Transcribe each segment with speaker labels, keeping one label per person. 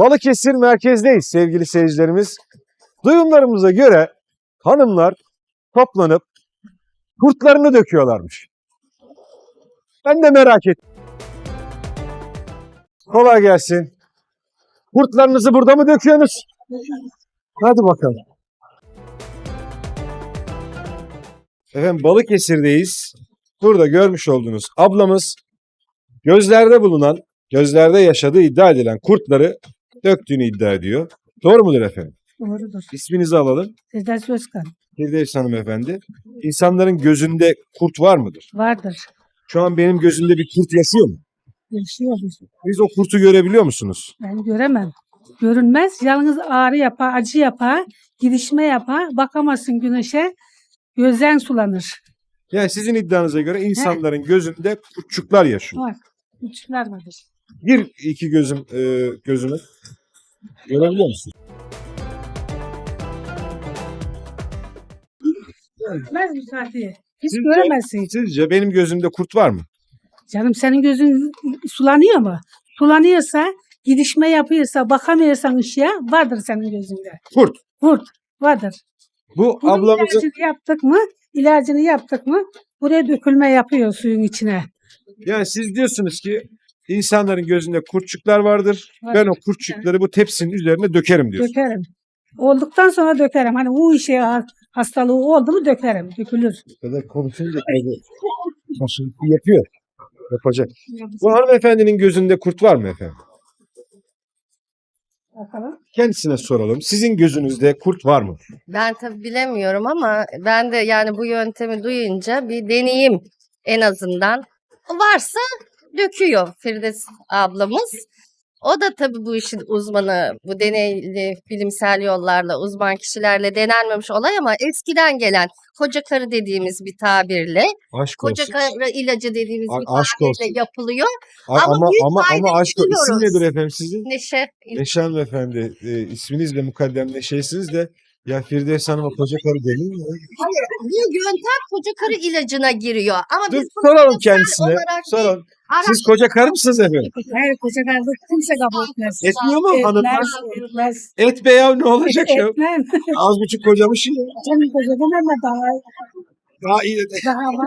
Speaker 1: Balıkesir merkezdeyiz sevgili seyircilerimiz. Duyumlarımıza göre hanımlar toplanıp kurtlarını döküyorlarmış. Ben de merak ettim. Kolay gelsin. Kurtlarınızı burada mı döküyorsunuz? Hadi bakalım. Efendim Balıkesir'deyiz. Burada görmüş olduğunuz ablamız gözlerde yaşadığı iddia edilen kurtları döktüğünü iddia ediyor. Doğru mudur efendim?
Speaker 2: Doğrudur.
Speaker 1: İsminizi alalım.
Speaker 2: Firdevs Özkan.
Speaker 1: Firdevs hanımefendi. İnsanların gözünde kurt var mıdır?
Speaker 2: Vardır.
Speaker 1: Şu an benim gözümde bir kurt yaşıyor mu?
Speaker 2: Yaşıyoruz.
Speaker 1: Siz o kurtu görebiliyor musunuz?
Speaker 2: Ben göremem. Görünmez. Yalnız ağrı yapar, acı yapar, gidişme yapar. Bakamazsın güneşe. Gözden sulanır.
Speaker 1: Yani sizin iddianıza göre insanların gözünde kurtçuklar yaşıyor.
Speaker 2: Var. Küçükler vardır.
Speaker 1: Bir iki gözümü görebiliyor musun?
Speaker 2: Görmez mi Fatih? Hiç
Speaker 1: Sizce-
Speaker 2: göremezsin.
Speaker 1: Sizce benim gözümde kurt var mı?
Speaker 2: Canım senin gözün sulanıyor mu? Sulanıyorsa, gidişme yapıyorsa, bakamıyorsan ışığa vardır senin gözünde.
Speaker 1: Kurt.
Speaker 2: Kurt vardır.
Speaker 1: Bu
Speaker 2: Bunun
Speaker 1: ablamızın
Speaker 2: ilacını yaptık mı buraya dökülme yapıyor suyun içine.
Speaker 1: yani siz diyorsunuz ki insanların gözünde kurtçuklar vardır.
Speaker 2: Var.
Speaker 1: Ben o kurtçukları bu tepsinin üzerine dökerim diyorsun.
Speaker 2: Dökerim. Olduktan sonra dökerim. Hani bu işe hastalığı oldu mu dökerim. Dökülür.
Speaker 1: Bu kadar konuşunca yapıyor. Yapacak. Bu hanımefendinin gözünde kurt var mı efendim?
Speaker 2: Bakalım.
Speaker 1: Kendisine soralım. Sizin gözünüzde kurt var mı?
Speaker 3: Ben tabii bilemiyorum ama ben de yani bu yöntemi duyunca bir deneyeyim en azından. Varsa döküyor Firdevs ablamız. O da tabii bu işin uzmanı, bu deneyli bilimsel yollarla, uzman kişilerle denenmemiş olay ama eskiden gelen koca karı dediğimiz bir tabirle,
Speaker 1: Aşk
Speaker 3: koca
Speaker 1: olsun.
Speaker 3: karı ilacı dediğimiz bir
Speaker 1: Aşk
Speaker 3: tabirle
Speaker 1: olsun.
Speaker 3: yapılıyor.
Speaker 1: Ama
Speaker 3: Ama büyük
Speaker 1: ama
Speaker 3: faydasını
Speaker 1: aşk olsun. İsim
Speaker 3: biliyoruz.
Speaker 1: nedir efendim sizin?
Speaker 3: Neşe.
Speaker 1: Neşe hanımefendi. İsminiz de mukaddem Neşe'siniz de ya Firdevs Hanım'a koca karı denir mi?
Speaker 3: Hayır, bu yöntem koca karı ilacına giriyor. Ama
Speaker 1: Dur
Speaker 3: biz bunu
Speaker 1: soralım
Speaker 3: bilimsel
Speaker 1: kendisine.
Speaker 3: olarak değil,
Speaker 1: Soralım. Siz koca karı mısınız efendim?
Speaker 2: Hayır koca kardeş kimse kabul etmez.
Speaker 1: Etmiyor mu hanımlar?
Speaker 2: Etmez.
Speaker 1: Et be ya ne olacak ya?
Speaker 2: Etmem.
Speaker 1: Az buçuk kocamış ya.
Speaker 2: Canım kocadan ama
Speaker 1: Daha iyi.
Speaker 2: daha var.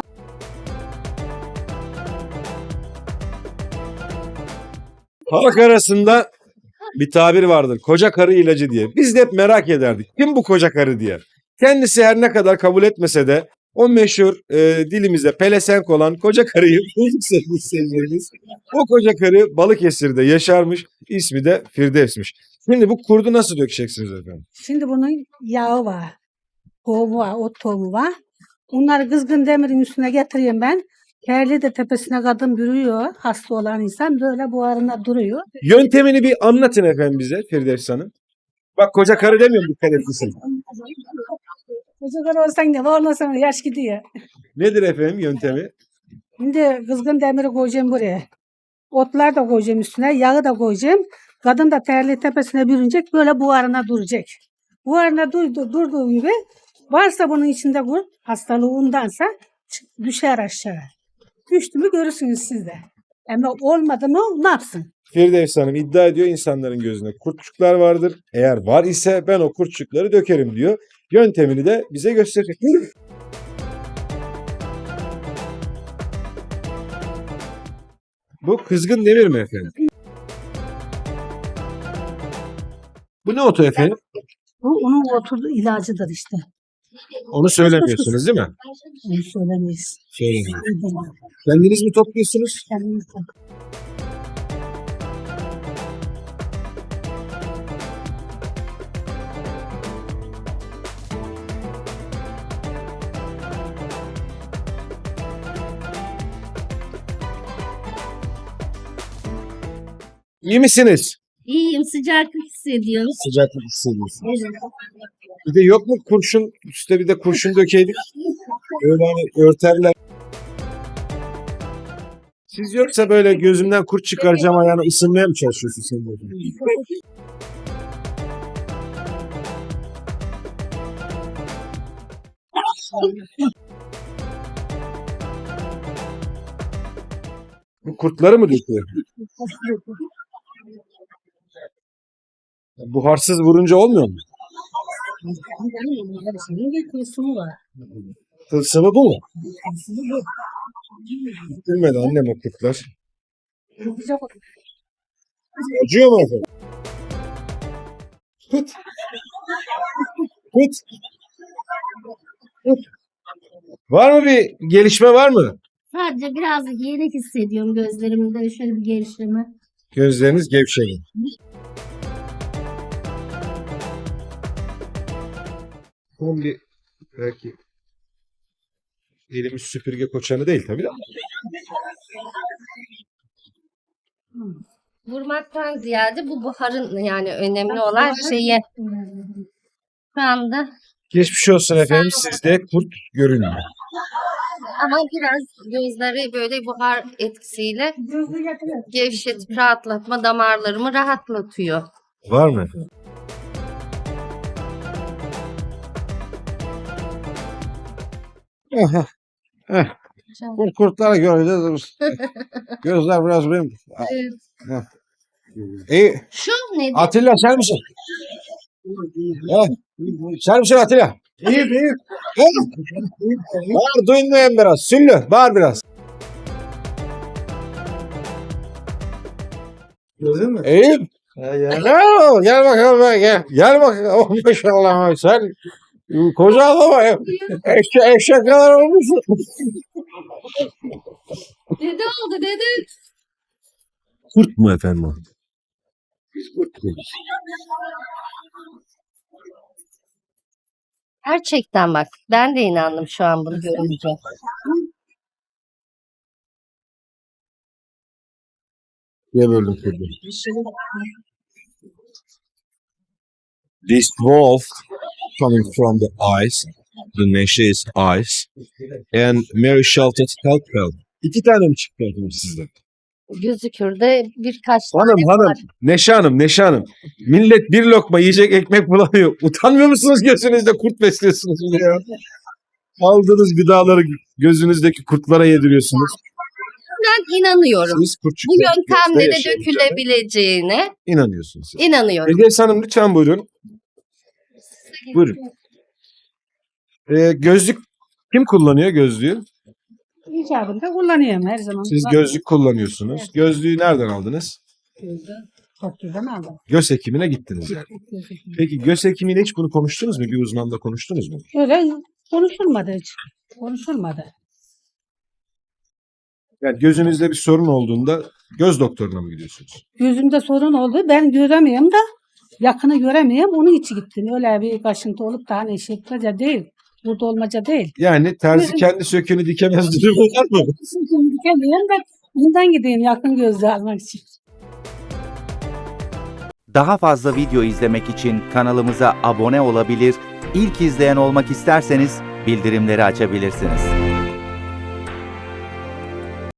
Speaker 1: Halk arasında bir tabir vardır. Koca karı ilacı diye. Biz de hep merak ederdik. Kim bu koca karı diye. Kendisi her ne kadar kabul etmese de o meşhur dilimizde pelesenk olan koca karıyı bulduk sevgili seyircilerimiz. O koca karı Balıkesir'de yaşarmış. İsmi de Firdevs'miş. Şimdi bu kurdu nasıl dökeceksiniz efendim?
Speaker 2: Şimdi bunun yağı var. Tohumu var, ot tohumu var. Bunları kızgın demirin üstüne getiriyorum ben. Terli de tepesine kadın bürüyor. Hasta olan insan böyle buharında duruyor.
Speaker 1: Yöntemini bir anlatın efendim bize Firdevs Hanım. Bak koca karı demiyorum dikkat etmişsin.
Speaker 2: Çocuklar olsan ne var olmasan yaş gidiyor.
Speaker 1: Nedir efendim yöntemi?
Speaker 2: Şimdi kızgın demiri koyacağım buraya. Otlar da koyacağım üstüne, yağı da koyacağım. Kadın da terli tepesine bürünecek, böyle buharına duracak. Buharına durduğu gibi varsa bunun içinde kurt, hastalığı ondansa düşer aşağı. Düştü mü görürsünüz siz de. Ama olmadı mı ne yapsın?
Speaker 1: Firdevs Hanım iddia ediyor insanların gözünde kurtçuklar vardır. Eğer var ise ben o kurtçukları dökerim diyor. Yöntemini de bize gösterecek. Bu kızgın demir mi efendim? Bu ne otu efendim?
Speaker 2: Bu onun oturduğu ilacıdır işte.
Speaker 1: Onu söylemiyorsunuz değil mi?
Speaker 2: Onu söylemeyiz.
Speaker 1: Söylemiyorum. Kendiniz mi topluyorsunuz?
Speaker 2: Kendimiz de.
Speaker 1: İyi misiniz?
Speaker 3: İyiyim, sıcaklık hissediyorum.
Speaker 1: Sıcaklık hissediyorsunuz. Bir de yok mu kurşun? Üste bir de kurşun dökeydik. Öyle hani örterler. Siz yoksa böyle gözümden kurt çıkaracağım ayağını ısınmaya mı çalışıyorsun sen burada? Bu kurtları mı döküyor? Buharsız vurunca olmuyor mu? Tılsımı bu mu? Bilmedi annem o kurtlar. Acıyor mu efendim? Kut. Kut. Kut. Var mı bir gelişme var mı?
Speaker 4: Sadece biraz yenik hissediyorum gözlerimde şöyle bir geliştirme.
Speaker 1: Gözleriniz gevşedi. Son bir belki elimiz süpürge koçanı değil tabii de.
Speaker 3: Vurmaktan ziyade bu buharın yani önemli olan şeyi şu anda
Speaker 1: Geçmiş olsun efendim, sizde kurt görünüyor.
Speaker 3: ama biraz gözleri böyle buhar etkisiyle gevşetip rahatlatma damarlarımı rahatlatıyor.
Speaker 1: Var mı? Aha. Heh. Bu kurtları göreceğiz. Gözler biraz benim.
Speaker 3: Evet.
Speaker 1: İyi.
Speaker 3: Şu nedir?
Speaker 1: Atilla sen misin? Sen misin Atilla? İyi iyi. Bağır duymayayım biraz. Süllü bağır biraz.
Speaker 5: Gördün mü?
Speaker 1: İyi. Gel bakalım gel. Gel bakalım. Oh, maşallah sen koca adama eşek kadar olmuşsun.
Speaker 3: Dede oldu dede.
Speaker 1: Kurt mu efendim o? Biz kurt diyoruz.
Speaker 3: Gerçekten bak ben de inandım şu an bunu görünce.
Speaker 1: Niye böldün kurdu? This wolf coming from the eyes, the Neşe is eyes, and Mary Shelton Helpful. 2 tane mi çıktı efendim sizden?
Speaker 3: Gözükür de birkaç
Speaker 1: Hanım
Speaker 3: tane
Speaker 1: hanım,
Speaker 3: var.
Speaker 1: Neşe Hanım. Millet bir lokma yiyecek ekmek bulamıyor. Utanmıyor musunuz gözünüzde kurt besliyorsunuz bir de ya? Aldığınız gıdaları gözünüzdeki kurtlara yediriyorsunuz.
Speaker 3: Ben inanıyorum.
Speaker 1: Siz kurtçuk
Speaker 3: Bu yöntemle de
Speaker 1: yaşayın.
Speaker 3: dökülebileceğine
Speaker 1: İnanıyorsunuz siz.
Speaker 3: inanıyorum.
Speaker 1: Firdevs Hanım lütfen buyurun. Buyurun. Gözlük kim kullanıyor gözlüğü?
Speaker 2: İcabında kullanıyorum her zaman.
Speaker 1: Siz gözlük kullanıyorsunuz. Gözlüğü nereden aldınız?
Speaker 2: Doktordan aldım.
Speaker 1: Göz hekimine gittiniz yani. Peki göz hekimiyle hiç bunu konuştunuz mu? Bir uzmanla konuştunuz mu?
Speaker 2: Öyle konuşulmadı hiç. Konuşulmadı.
Speaker 1: Yani gözünüzde bir sorun olduğunda göz doktoruna mı gidiyorsunuz?
Speaker 2: Gözümde sorun oldu. Ben göremiyorum da yakını göremiyorum. Onun için gittim. Öyle bir kaşıntı olup da hani şekilde değil. Burada olmaca değil.
Speaker 1: Yani terzi
Speaker 2: Gözüm-
Speaker 1: kendi söküğünü dikemez durumu var mı?
Speaker 2: Çünkü dikemiyorum da bundan gideyim yakın gözle almak için.
Speaker 6: Daha fazla video izlemek için kanalımıza abone olabilir, ilk izleyen olmak isterseniz bildirimleri açabilirsiniz.